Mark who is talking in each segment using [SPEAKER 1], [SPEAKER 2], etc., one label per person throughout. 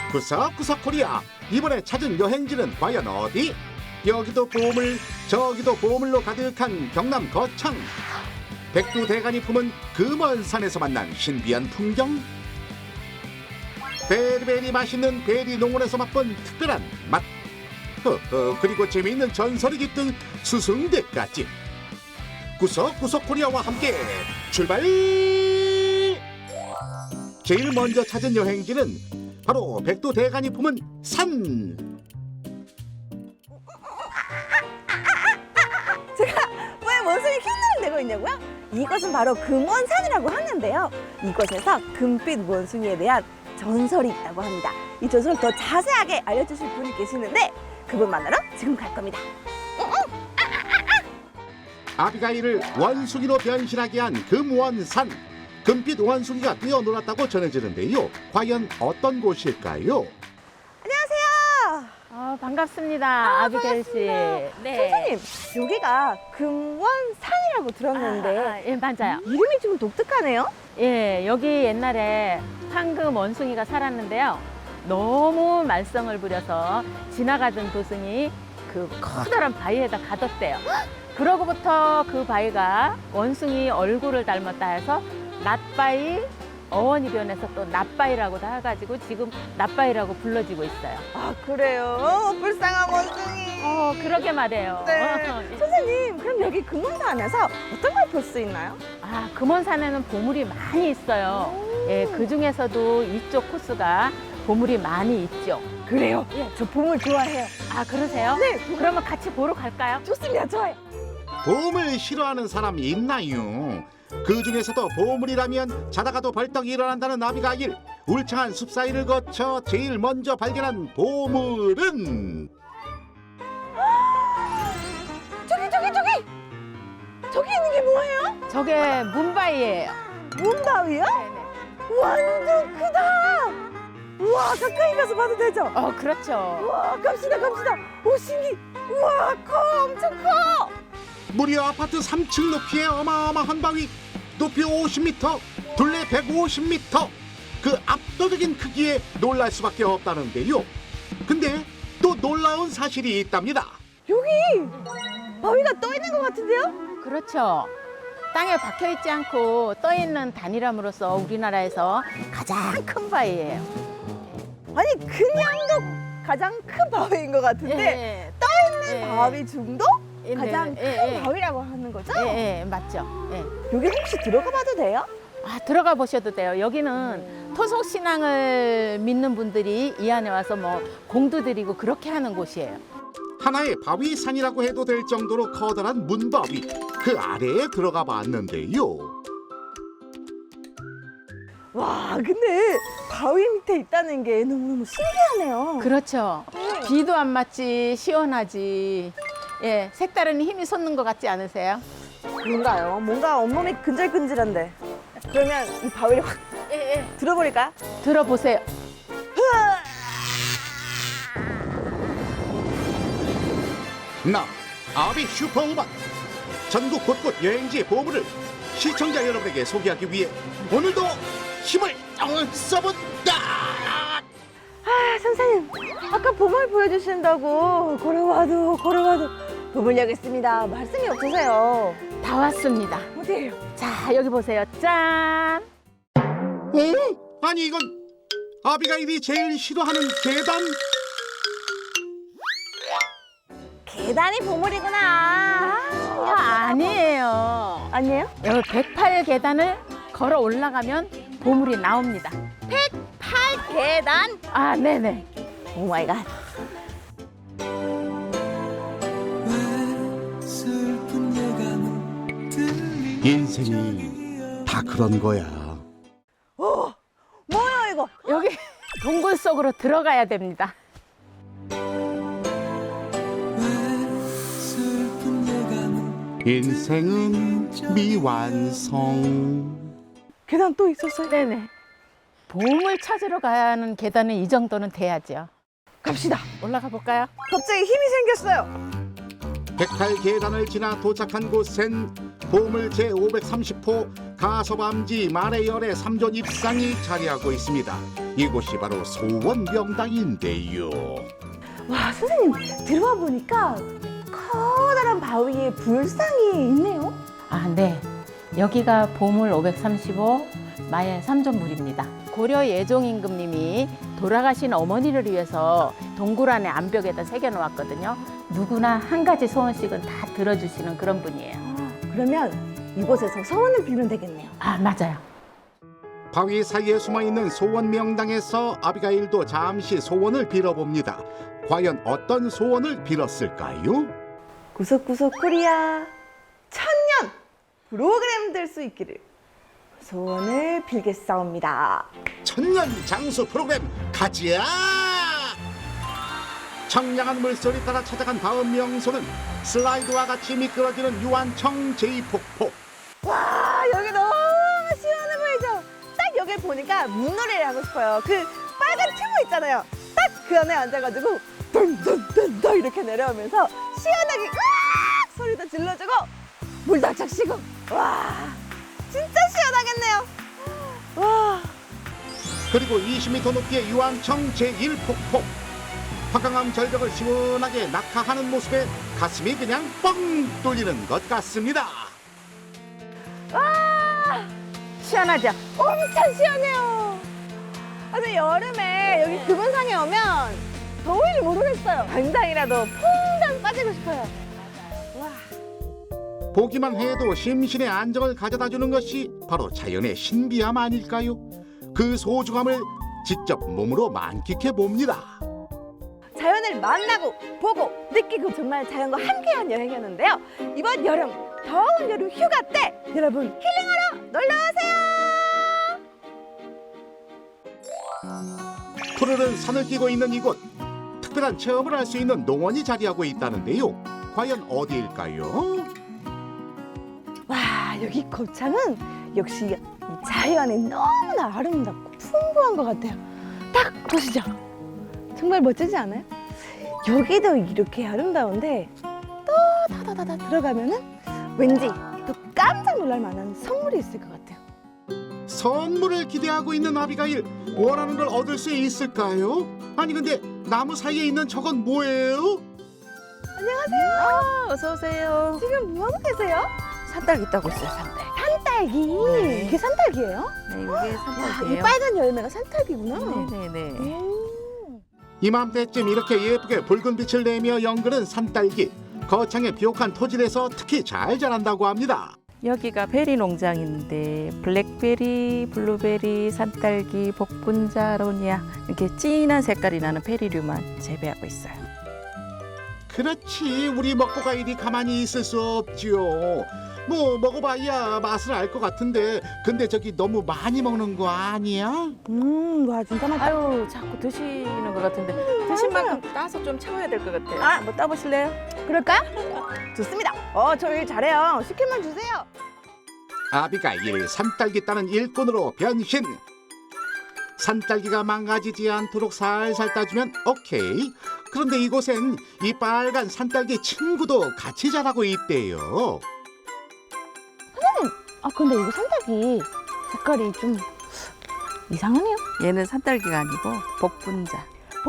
[SPEAKER 1] 구석구석 코리아, 이번에 찾은 여행지는 과연 어디? 여기도 보물 저기도 보물로 가득한 경남 거창. 백두대간이 품은 그 먼 산에서 만난 신비한 풍경. 베리베리 맛있는 베리 농원에서 맛본 특별한 맛. 그리고 재미있는 전설이 깃든 수승대까지. 구석구석 코리아와 함께 출발! 제일 먼저 찾은 여행지는 바로 백두대간이 품은 산.
[SPEAKER 2] 제가 왜 원숭이 흉내를 내고 있냐고요? 이것은 바로 금원산이라고 하는데요. 이곳에서 금빛 원숭이에 대한 전설이 있다고 합니다. 이 전설을 더 자세하게 알려주실 분이 계시는데 그분 만나러 지금 갈 겁니다.
[SPEAKER 1] 아비가일을 원숭이로 변신하게 한 금원산. 금빛 원숭이가 뛰어놀았다고 전해지는데요. 과연 어떤 곳일까요?
[SPEAKER 2] 안녕하세요.
[SPEAKER 3] 반갑습니다. 아비게일 씨. 네.
[SPEAKER 2] 선생님, 여기가 금원산이라고 들었는데
[SPEAKER 3] 예, 맞아요.
[SPEAKER 2] 이름이 좀 독특하네요.
[SPEAKER 3] 예, 여기 옛날에 황금 원숭이가 살았는데요. 너무 말썽을 부려서 지나가던 도승이 그 커다란 바위에다 가뒀대요. 그러고부터 그 바위가 원숭이 얼굴을 닮았다 해서 낫바위, 어원이 변해서 또 낫바위라고도 해가지고 지금 낫바위라고 불러지고 있어요.
[SPEAKER 2] 아, 그래요? 불쌍한 원숭이.
[SPEAKER 3] 그러게 말해요.
[SPEAKER 2] 네. 선생님, 그럼 여기 금원산 안에서 어떤 걸 볼 수 있나요?
[SPEAKER 3] 금원산에는 보물이 많이 있어요. 예, 그 중에서도 이쪽 코스가 보물이 많이 있죠.
[SPEAKER 2] 그래요?
[SPEAKER 3] 예.
[SPEAKER 2] 저 보물 좋아해요.
[SPEAKER 3] 그러세요?
[SPEAKER 2] 네.
[SPEAKER 3] 그러면 같이 보러 갈까요?
[SPEAKER 2] 좋습니다. 좋아요.
[SPEAKER 1] 보물 싫어하는 사람이 있나요? 그 중에서도 보물이라면 자다가도 벌떡 일어난다는 아비가일. 울창한 숲 사이를 거쳐 제일 먼저 발견한 보물은
[SPEAKER 2] 저기 있는 게 뭐예요?
[SPEAKER 3] 저게 문바위예요.
[SPEAKER 2] 문바위요?
[SPEAKER 3] 네네.
[SPEAKER 2] 완전 크다. 우와, 가까이 가서 봐도 되죠?
[SPEAKER 3] 그렇죠.
[SPEAKER 2] 우와, 갑시다. 오, 신기. 우와, 커. 엄청 커.
[SPEAKER 1] 무려 아파트 3층 높이의 어마어마한 바위. 높이 50m, 둘레 150m. 그 압도적인 크기에 놀랄 수밖에 없다는데요. 근데 또 놀라운 사실이 있답니다.
[SPEAKER 2] 여기 바위가 떠 있는 것 같은데요?
[SPEAKER 3] 그렇죠. 땅에 박혀 있지 않고 떠 있는 단일함으로써 우리나라에서 가장 큰 바위예요.
[SPEAKER 2] 아니, 그냥도 가장 큰 바위인 것 같은데 떠 있는 바위 중도 가장 큰 바위라고 하는 거죠?
[SPEAKER 3] 예, 맞죠. 예.
[SPEAKER 2] 여기 혹시 들어가 봐도 돼요?
[SPEAKER 3] 들어가 보셔도 돼요. 여기는 토속 신앙을 믿는 분들이 이 안에 와서 뭐 공도 드리고 그렇게 하는 곳이에요.
[SPEAKER 1] 하나의 바위산이라고 해도 될 정도로 커다란 문바위. 그 아래에 들어가 봤는데요.
[SPEAKER 2] 와, 근데 바위 밑에 있다는 게 너무너무 신기하네요.
[SPEAKER 3] 그렇죠. 비도 안 맞지 시원하지. 예, 색다른 힘이 솟는 것 같지 않으세요?
[SPEAKER 2] 그런가요? 뭔가 온몸이 근질근질한데. 그러면 이 바위를 확 들어버릴까요?
[SPEAKER 3] 들어보세요.
[SPEAKER 1] 나 아비 슈퍼우먼. 전국 곳곳 여행지의 보물을 시청자 여러분에게 소개하기 위해 오늘도 힘을 써본다.
[SPEAKER 2] 선생님, 아까 보물 보여주신다고 걸어와도 보물 여기 있습니다. 말씀이 없으세요.
[SPEAKER 3] 다 왔습니다.
[SPEAKER 2] 어디에요?
[SPEAKER 3] 자, 여기 보세요. 짠!
[SPEAKER 1] 아니 이건 아비가일이 제일 싫어하는 계단?
[SPEAKER 2] 계단이 보물이구나.
[SPEAKER 3] 아니에요.
[SPEAKER 2] 아니에요?
[SPEAKER 3] 여기 108계단을 걸어 올라가면 보물이 나옵니다.
[SPEAKER 2] 8계단?
[SPEAKER 3] 네네.
[SPEAKER 2] 오 마이 갓.
[SPEAKER 1] 인생이 다 그런 거야.
[SPEAKER 2] 뭐야 이거?
[SPEAKER 3] 여기 동굴 속으로 들어가야 됩니다.
[SPEAKER 1] 인생은 미완성.
[SPEAKER 2] 계단 또 있었어요?
[SPEAKER 3] 네네. 보물 찾으러 가는 계단은 이 정도는 돼야죠.
[SPEAKER 2] 갑시다.
[SPEAKER 3] 올라가 볼까요?
[SPEAKER 2] 갑자기 힘이 생겼어요.
[SPEAKER 1] 108계단을 지나 도착한 곳엔 보물 제530호 가소밤지 말해열의 3존 입상이 자리하고 있습니다. 이곳이 바로 소원명당인데요.
[SPEAKER 2] 와, 선생님, 들어와 보니까 커다란 바위에 불상이 있네요.
[SPEAKER 3] 아, 네. 여기가 보물 535 마의 삼존물입니다. 고려 예종임금님이 돌아가신 어머니를 위해서 동굴 안에 암벽에다 새겨놓았거든요. 누구나 한 가지 소원씩은 다 들어주시는 그런 분이에요.
[SPEAKER 2] 그러면 이곳에서 소원을 빌면 되겠네요.
[SPEAKER 3] 아, 맞아요.
[SPEAKER 1] 바위 사이에 숨어있는 소원명당에서 아비가일도 잠시 소원을 빌어봅니다. 과연 어떤 소원을 빌었을까요?
[SPEAKER 2] 구석구석 코리아 천년 프로그램 될 수 있기를 소원을 빌겠사옵니다.
[SPEAKER 1] 천년 장수 프로그램 가지야! 청량한 물소리 따라 찾아간 다음 명소는 슬라이드와 같이 미끄러지는 유한청 제2폭포.
[SPEAKER 2] 와, 여기 너무 시원해 보이죠? 딱 여기 보니까 물놀이를 하고 싶어요. 그 빨간 튜브 있잖아요. 딱 그 안에 앉아가지고 던던던던 이렇게 내려오면서 시원하게 으악 소리도 질러주고 물도 착 쉬고 와 진짜 시원하겠네요. 와.
[SPEAKER 1] 그리고 20m 높이의 유한청 제1폭포. 화강암 절벽을 시원하게 낙하하는 모습에 가슴이 그냥 뻥 뚫리는 것 같습니다.
[SPEAKER 2] 와
[SPEAKER 3] 시원하죠?
[SPEAKER 2] 엄청 시원해요. 근데 여름에 여기 금은상에 오면 더위를 모르겠어요. 당장이라도 퐁당 빠지고 싶어요. 와.
[SPEAKER 1] 보기만 해도 심신의 안정을 가져다주는 것이 바로 자연의 신비함 아닐까요? 그 소중함을 직접 몸으로 만끽해 봅니다.
[SPEAKER 2] 자연을 만나고 보고 느끼고 정말 자연과 함께한 여행이었는데요. 이번 여름 더운 여름 휴가 때 여러분 힐링하러 놀러오세요.
[SPEAKER 1] 푸르른 산을 끼고 있는 이곳, 특별한 체험을 할 수 있는 농원이 자리하고 있다는데요. 과연 어디일까요?
[SPEAKER 2] 와 여기 거창은 역시 이 자연이 너무나 아름답고 풍부한 것 같아요. 딱 보시죠. 정말 멋지지 않아요? 여기도 이렇게 아름다운데 또 다다다다 들어가면은 왠지 또 깜짝 놀랄 만한 선물이 있을 것 같아요.
[SPEAKER 1] 선물을 기대하고 있는 아비가일, 원하는 걸 얻을 수 있을까요? 아니 근데 나무 사이에 있는 저건 뭐예요?
[SPEAKER 2] 안녕하세요.
[SPEAKER 3] 어서 오세요.
[SPEAKER 2] 지금 뭐 하고 계세요?
[SPEAKER 3] 산딸기 따고 있어요, 산딸기.
[SPEAKER 2] 산딸기.
[SPEAKER 3] 네.
[SPEAKER 2] 이게 산딸기예요?
[SPEAKER 3] 네, 이게
[SPEAKER 2] 와, 이
[SPEAKER 3] 산딸기예요.
[SPEAKER 2] 빨간 열매가 산딸기구나.
[SPEAKER 3] 네네네.
[SPEAKER 1] 이맘때쯤 이렇게 예쁘게 붉은 빛을 내며 연그는 산딸기. 거창의 비옥한 토질에서 특히 잘 자란다고 합니다.
[SPEAKER 4] 여기가 베리 농장인데 블랙베리, 블루베리, 산딸기, 복분자, 로니아 이렇게 진한 색깔이 나는 베리류만 재배하고 있어요.
[SPEAKER 1] 그렇지, 우리 먹고 가 일이 가만히 있을 수 없지요. 뭐 먹어봐야 맛을 알 것 같은데 근데 저기 너무 많이 먹는 거 아니야?
[SPEAKER 2] 와 진짜 맛있다.
[SPEAKER 4] 아유 자꾸 드시는 것 같은데 드신 만큼 따서 좀 채워야 될 것 같아요.
[SPEAKER 2] 아.
[SPEAKER 4] 뭐 따보실래요?
[SPEAKER 2] 그럴까요? 좋습니다. 저 일 잘해요. 시키면 주세요.
[SPEAKER 1] 아비가일 산딸기 따는 일꾼으로 변신. 산딸기가 망가지지 않도록 살살 따주면 오케이. 그런데 이곳엔 이 빨간 산딸기 친구도 같이 자라고 있대요.
[SPEAKER 2] 아 근데 이거 산딸기 색깔이 좀 이상하네요.
[SPEAKER 4] 얘는 산딸기가 아니고 복분자.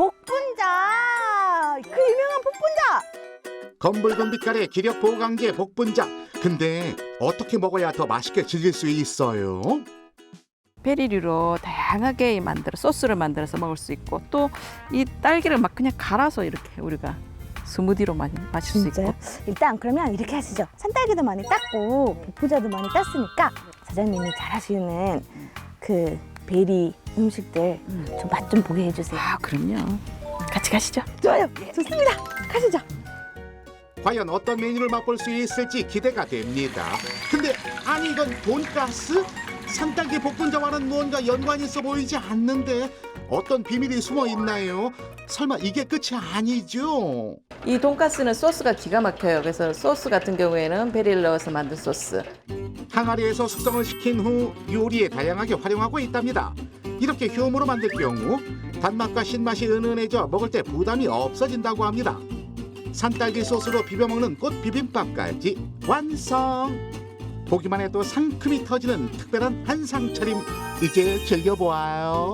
[SPEAKER 2] 복분자. 그 유명한 복분자.
[SPEAKER 1] 검붉은 빛깔의 기력 보강제 복분자. 근데 어떻게 먹어야 더 맛있게 즐길 수 있어요?
[SPEAKER 4] 베리류로 다양하게 만들어 소스를 만들어서 먹을 수 있고 또 이 딸기를 막 그냥 갈아서 이렇게 우리가 스무디로 많이 마실 수
[SPEAKER 2] 진짜요?
[SPEAKER 4] 있고.
[SPEAKER 2] 일단 그러면 이렇게 하시죠. 산딸기도 많이 땄고 복분자도 많이 땄으니까 사장님이 잘하시는 그 베리 음식들 좀 맛 좀 보게 해주세요.
[SPEAKER 4] 아 그럼요. 같이 가시죠.
[SPEAKER 2] 좋아요. 좋습니다. 가시죠.
[SPEAKER 1] 과연 어떤 메뉴를 맛볼 수 있을지 기대가 됩니다. 근데 아니 이건 돈가스? 산딸기 복분자와는 무언가 연관이 있어 보이지 않는데 어떤 비밀이 숨어 있나요? 설마 이게 끝이 아니죠?
[SPEAKER 4] 이 돈가스는 소스가 기가 막혀요. 그래서 소스 같은 경우에는 베리를 넣어서 만든 소스.
[SPEAKER 1] 항아리에서 숙성을 시킨 후 요리에 다양하게 활용하고 있답니다. 이렇게 효모로 만들 경우 단맛과 신맛이 은은해져 먹을 때 부담이 없어진다고 합니다. 산딸기 소스로 비벼 먹는 꽃 비빔밥까지 완성! 보기만 해도 상큼이 터지는 특별한 한상 차림 이제 즐겨보아요.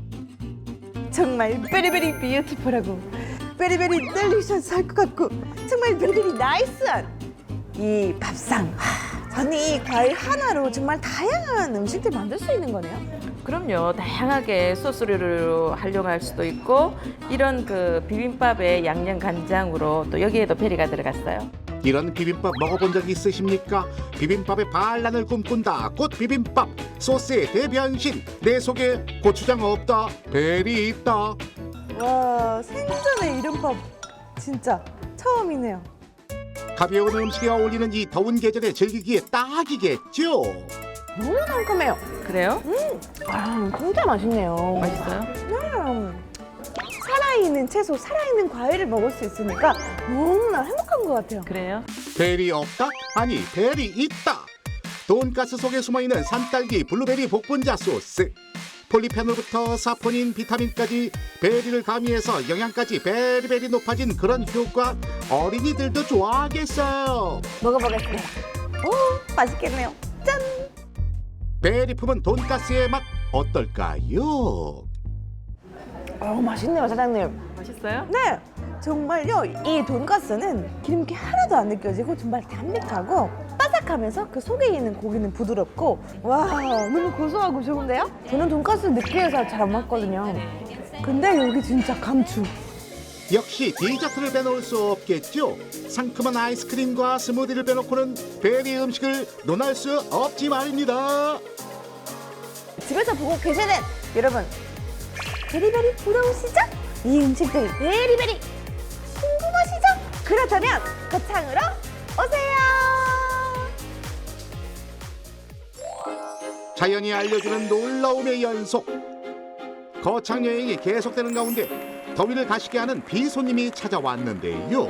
[SPEAKER 2] 정말 베리베리 뷰티풀하고 베리베리 델리셔스할 것 같고 정말 베리베리 나이스한 이 밥상. 저는 이 과일 하나로 정말 다양한 음식들 만들 수 있는 거네요.
[SPEAKER 4] 그럼요. 다양하게 소스를 활용할 수도 있고 이런 그 비빔밥에 양념 간장으로 또 여기에도 베리가 들어갔어요.
[SPEAKER 1] 이런 비빔밥 먹어본 적 있으십니까? 비빔밥의 반란을 꿈꾼다. 꽃 비빔밥. 소스의 대변신. 내 속에 고추장 없다. 베리 있다.
[SPEAKER 2] 와, 생전에 이런 밥 진짜 처음이네요.
[SPEAKER 1] 가벼운 음식에 어울리는 이 더운 계절에 즐기기에 딱이겠죠.
[SPEAKER 2] 너무 상큼해요.
[SPEAKER 4] 그래요?
[SPEAKER 2] 진짜 맛있네요.
[SPEAKER 4] 맛있어요?
[SPEAKER 2] 살아있는 채소, 살아있는 과일을 먹을 수 있으니까 너무나 행복한 것 같아요.
[SPEAKER 4] 그래요?
[SPEAKER 1] 베리 없다? 아니, 베리 있다. 돈가스 속에 숨어있는 산딸기 블루베리 복분자 소스. 폴리페놀부터 사포닌, 비타민까지 베리를 가미해서 영양까지 베리베리 높아진 그런 효과. 어린이들도 좋아하겠어요.
[SPEAKER 2] 먹어보겠습니다. 오, 맛있겠네요. 짠!
[SPEAKER 1] 베리 품은 돈가스의 맛 어떨까요?
[SPEAKER 2] 맛있네요, 사장님.
[SPEAKER 4] 맛있어요?
[SPEAKER 2] 네, 정말요. 이 돈가스는 기름기 하나도 안 느껴지고 정말 담백하고 바삭하면서 그 속에 있는 고기는 부드럽고 와, 너무 고소하고 좋은데요? 저는 돈가스 느끼해서 잘 안 먹거든요. 근데 여기 진짜 감추.
[SPEAKER 1] 역시 디저트를 빼놓을 수 없겠죠. 상큼한 아이스크림과 스무디를 빼놓고는 베리 음식을 논할 수 없지 말입니다.
[SPEAKER 2] 집에서 보고 계시는 여러분, 베리베리 부러우시죠? 이 음식들 베리베리 궁금하시죠? 그렇다면 거창으로 오세요.
[SPEAKER 1] 자연이 알려주는 놀라움의 연속. 거창 여행이 계속되는 가운데 더위를 가시게 하는 비손님이 찾아왔는데요.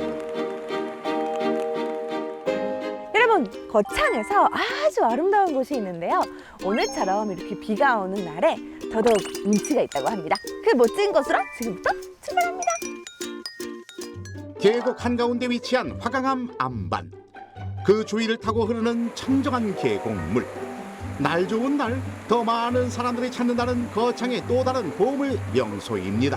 [SPEAKER 2] 여러분, 거창에서 아주 아름다운 곳이 있는데요. 오늘처럼 이렇게 비가 오는 날에 더더욱 운치가 있다고 합니다. 그 멋진 곳으로 지금부터 출발합니다.
[SPEAKER 1] 계곡 한가운데 위치한 화강암 안반. 그 주위를 타고 흐르는 청정한 계곡물. 날 좋은 날 더 많은 사람들이 찾는다는 거창의 또 다른 보물 명소입니다.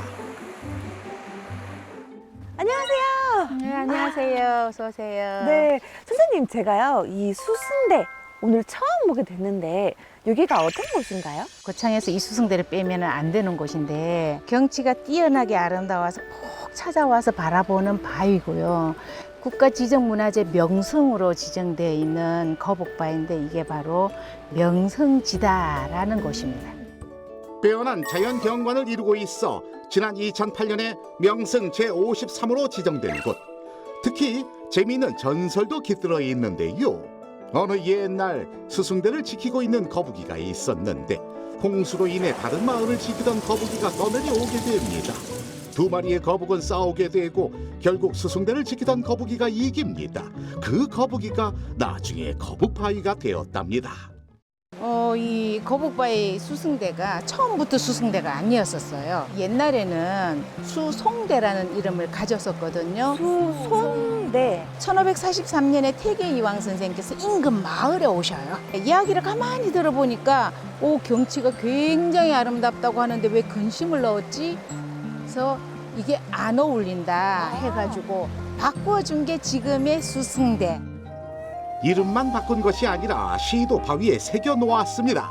[SPEAKER 2] 안녕하세요.
[SPEAKER 5] 네, 안녕하세요. 어서 오세요.
[SPEAKER 2] 네, 선생님, 제가요 이 수승대 오늘 처음 보게 됐는데 여기가 어떤 곳인가요?
[SPEAKER 5] 고창에서 이 수승대를 빼면 안 되는 곳인데 경치가 뛰어나게 아름다워서 푹 찾아와서 바라보는 바위고요. 국가지정문화재 명성으로 지정되어 있는 거북바위인데 이게 바로 명성지다라는 곳입니다.
[SPEAKER 1] 빼어난 자연 경관을 이루고 있어 지난 2008년에 명승 제53호로 지정된 곳. 특히 재미있는 전설도 깃들어 있는데요. 어느 옛날 수승대를 지키고 있는 거북이가 있었는데 홍수로 인해 다른 마을을 지키던 거북이가 떠내려오게 됩니다. 두 마리의 거북은 싸우게 되고 결국 수승대를 지키던 거북이가 이깁니다. 그 거북이가 나중에 거북바위가 되었답니다.
[SPEAKER 5] 이 거북바위 수승대가 처음부터 수승대가 아니었었어요. 옛날에는 수송대라는 이름을 가졌었거든요.
[SPEAKER 2] 수송대.
[SPEAKER 5] 1543년에 태계이왕 선생께서 인근 마을에 오셔요. 이야기를 가만히 들어보니까 경치가 굉장히 아름답다고 하는데 왜 근심을 넣었지? 그래서 이게 안 어울린다 해가지고 바꿔준 게 지금의 수승대.
[SPEAKER 1] 이름만 바꾼 것이 아니라 시도 바위에 새겨 놓았습니다.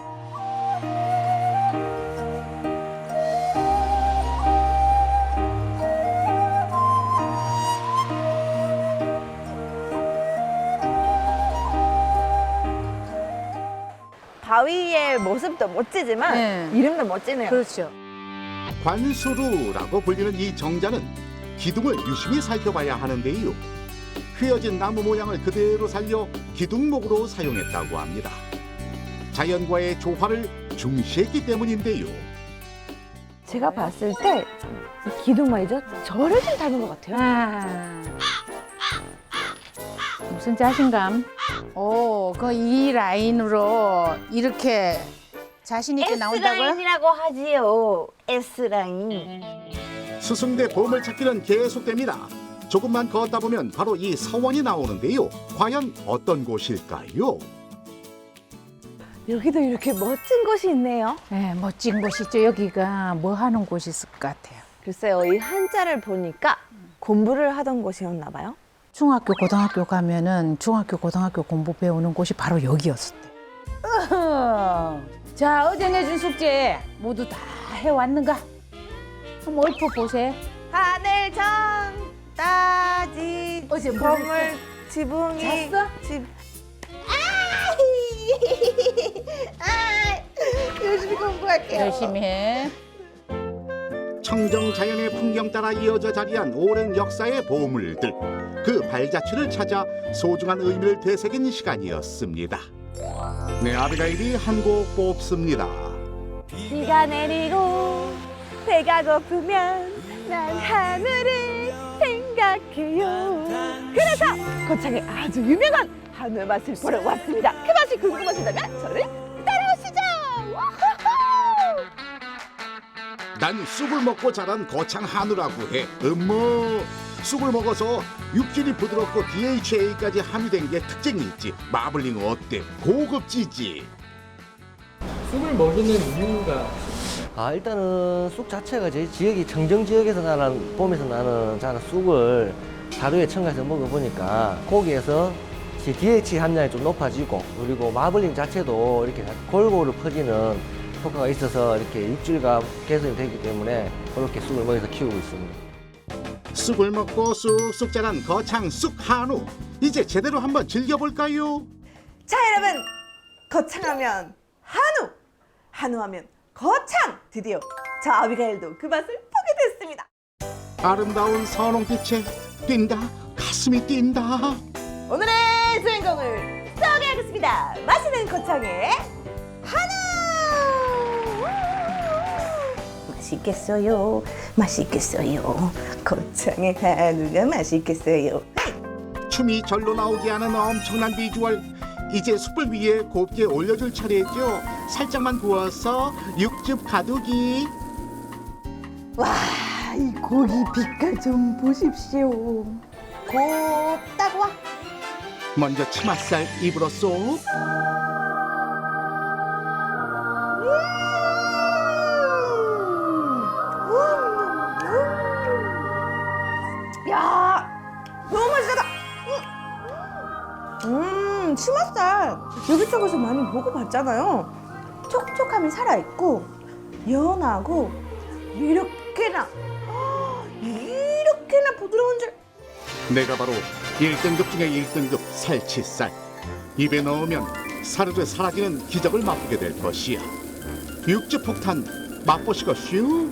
[SPEAKER 2] 바위의 모습도 멋지지만
[SPEAKER 5] 네.
[SPEAKER 2] 이름도 멋지네요.
[SPEAKER 5] 그렇죠.
[SPEAKER 1] 관수루라고 불리는 이 정자는 기둥을 유심히 살펴봐야 하는데요. 휘어진 나무 모양을 그대로 살려 기둥목으로 사용했다고 합니다. 자연과의 조화를 중시했기 때문인데요.
[SPEAKER 2] 제가 봤을 때 이 기둥 말이죠. 저를 좀 닮은 것 같아요.
[SPEAKER 5] 무슨 자신감? 이 라인으로 이렇게 자신 있게 나온다고요?
[SPEAKER 2] S라인이라고 하지요. S라인.
[SPEAKER 1] 수승대 보물찾기는 계속됩니다. 조금만 걷다 보면 바로 이 서원이 나오는데요. 과연 어떤 곳일까요?
[SPEAKER 2] 여기도 이렇게 멋진 곳이 있네요.
[SPEAKER 5] 네, 멋진 곳이죠. 여기가 뭐 하는 곳이 있을 것 같아요.
[SPEAKER 2] 글쎄요, 이 한자를 보니까 공부를 하던 곳이었나 봐요.
[SPEAKER 5] 중학교, 고등학교 가면은 중학교, 고등학교 공부 배우는 곳이 바로 여기였을 때. 자, 어제 내준 숙제 모두 다 해왔는가? 한번 읊어보세요.
[SPEAKER 2] 하늘 정 따지
[SPEAKER 5] 어제 뭐
[SPEAKER 2] 건물 지붕이
[SPEAKER 5] 잤어?
[SPEAKER 2] 집 열심히 공부할게요.
[SPEAKER 5] 열심히 해.
[SPEAKER 1] 청정 자연의 풍경 따라 이어져 자리한 오랜 역사의 보물들, 그 발자취를 찾아 소중한 의미를 되새긴 시간이었습니다. 네, 아비가일이 한 곡 뽑습니다.
[SPEAKER 2] 비가 내리고 배가 고프면 난 하늘을 생각해요. 그래서 거창에 아주 유명한 한우 맛을 보러 왔습니다. 그 맛이 궁금하시다면 저를 따라오시죠. 와하하!
[SPEAKER 1] 난 쑥을 먹고 자란 거창 한우라고 해. 쑥을 먹어서 육질이 부드럽고 DHA까지 함유된 게 특징이 있지. 마블링 어때? 고급지지.
[SPEAKER 6] 쑥을 먹이는 이유가
[SPEAKER 7] 일단은 쑥 자체가 제 지역이 청정 지역에서 나는 봄에서 나는 자는 쑥을 하루에 첨가해서 먹어보니까 고기에서 DHA 함량이 좀 높아지고, 그리고 마블링 자체도 이렇게 골고루 퍼지는 효과가 있어서 이렇게 육질감 개선이 되기 때문에 그렇게 쑥을 먹여서 키우고 있습니다.
[SPEAKER 1] 쑥을 먹고 쑥쑥 자란 거창 쑥 한우. 이제 제대로 한번 즐겨볼까요?
[SPEAKER 2] 자, 여러분, 거창하면 한우, 한우하면 거창. 드디어 저 아비가일도 그 맛을 보게 됐습니다.
[SPEAKER 1] 아름다운 선홍빛에 뛴다, 가슴이 뛴다.
[SPEAKER 2] 오늘의 주인공을 소개하겠습니다. 맛있는 거창의 한우. 맛있겠어요. 맛있겠어요. 거창의 한우가 맛있겠어요.
[SPEAKER 1] 춤이 절로 나오게 하는 엄청난 비주얼. 이제 숯불 위에 곱게 올려줄 차례죠. 살짝만 구워서 육즙 가득이.
[SPEAKER 2] 와, 이 고기 빛깔 좀 보십시오. 곱다고 와.
[SPEAKER 1] 먼저 치맛살 입으로 쏙.
[SPEAKER 2] 야, 너무 맛있다. 치맛살 여기저기서 많이 먹어봤잖아요. 촉촉함이 살아있고 연하고 이렇게나 부드러운 줄.
[SPEAKER 1] 내가 바로 1등급 중에 1등급 살치살. 입에 넣으면 사르르 사라지는 기적을 맛보게 될 것이야. 육즙 폭탄 맛보시고슈.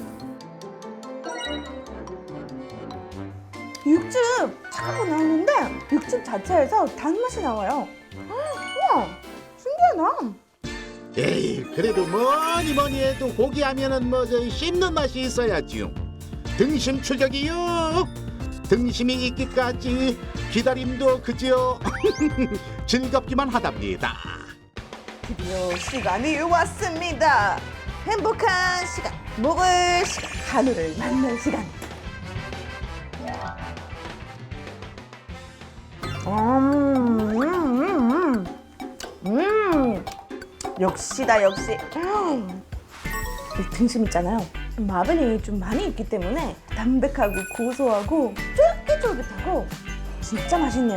[SPEAKER 2] 육즙 차가워 나오는데 육즙 자체에서 단맛이 나와요. 우와, 신기하다.
[SPEAKER 1] 에이, 그래도 뭐니 해도 고기 하면은 저 씹는 맛이 있어야지요. 등심 출격이요. 등심이 있기까지 기다림도 그지요. 즐겁기만 하답니다.
[SPEAKER 2] 드디어 시간이 왔습니다. 행복한 시간, 먹을 시간, 한우를 만날 시간. 역시다, 역시. 이 등심 있잖아요. 마블링이 좀 많이 있기 때문에 담백하고 고소하고 쫄깃쫄깃하고 진짜 맛있네요.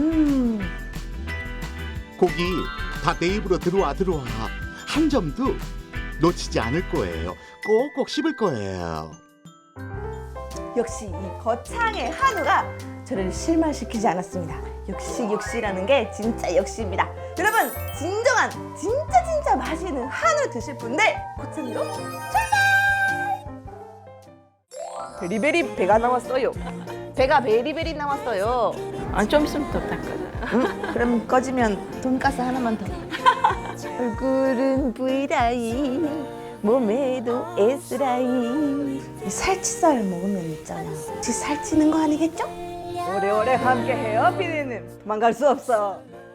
[SPEAKER 1] 고기 다 내 입으로 들어와. 한 점도 놓치지 않을 거예요. 꼭꼭 씹을 거예요.
[SPEAKER 2] 역시 이 거창의 한우가 저를 실망시키지 않았습니다. 역시라는 게 진짜 역시입니다. 여러분, 진정한 진짜 맛있는 한우 드실 분들 거창으로 출발! 베리베리 배가 나왔어요. 배가 베리베리 나왔어요.
[SPEAKER 3] 좀 있으면 또 닦아요.
[SPEAKER 2] 그럼 꺼지면 돈가스 하나만 더. 얼굴은 V라인, 몸에도 S라인. 이 살치살 먹으면 있잖아. 혹시 살찌는 거 아니겠죠? 오래오래 함께해요, 피디님. 도망갈 수 없어.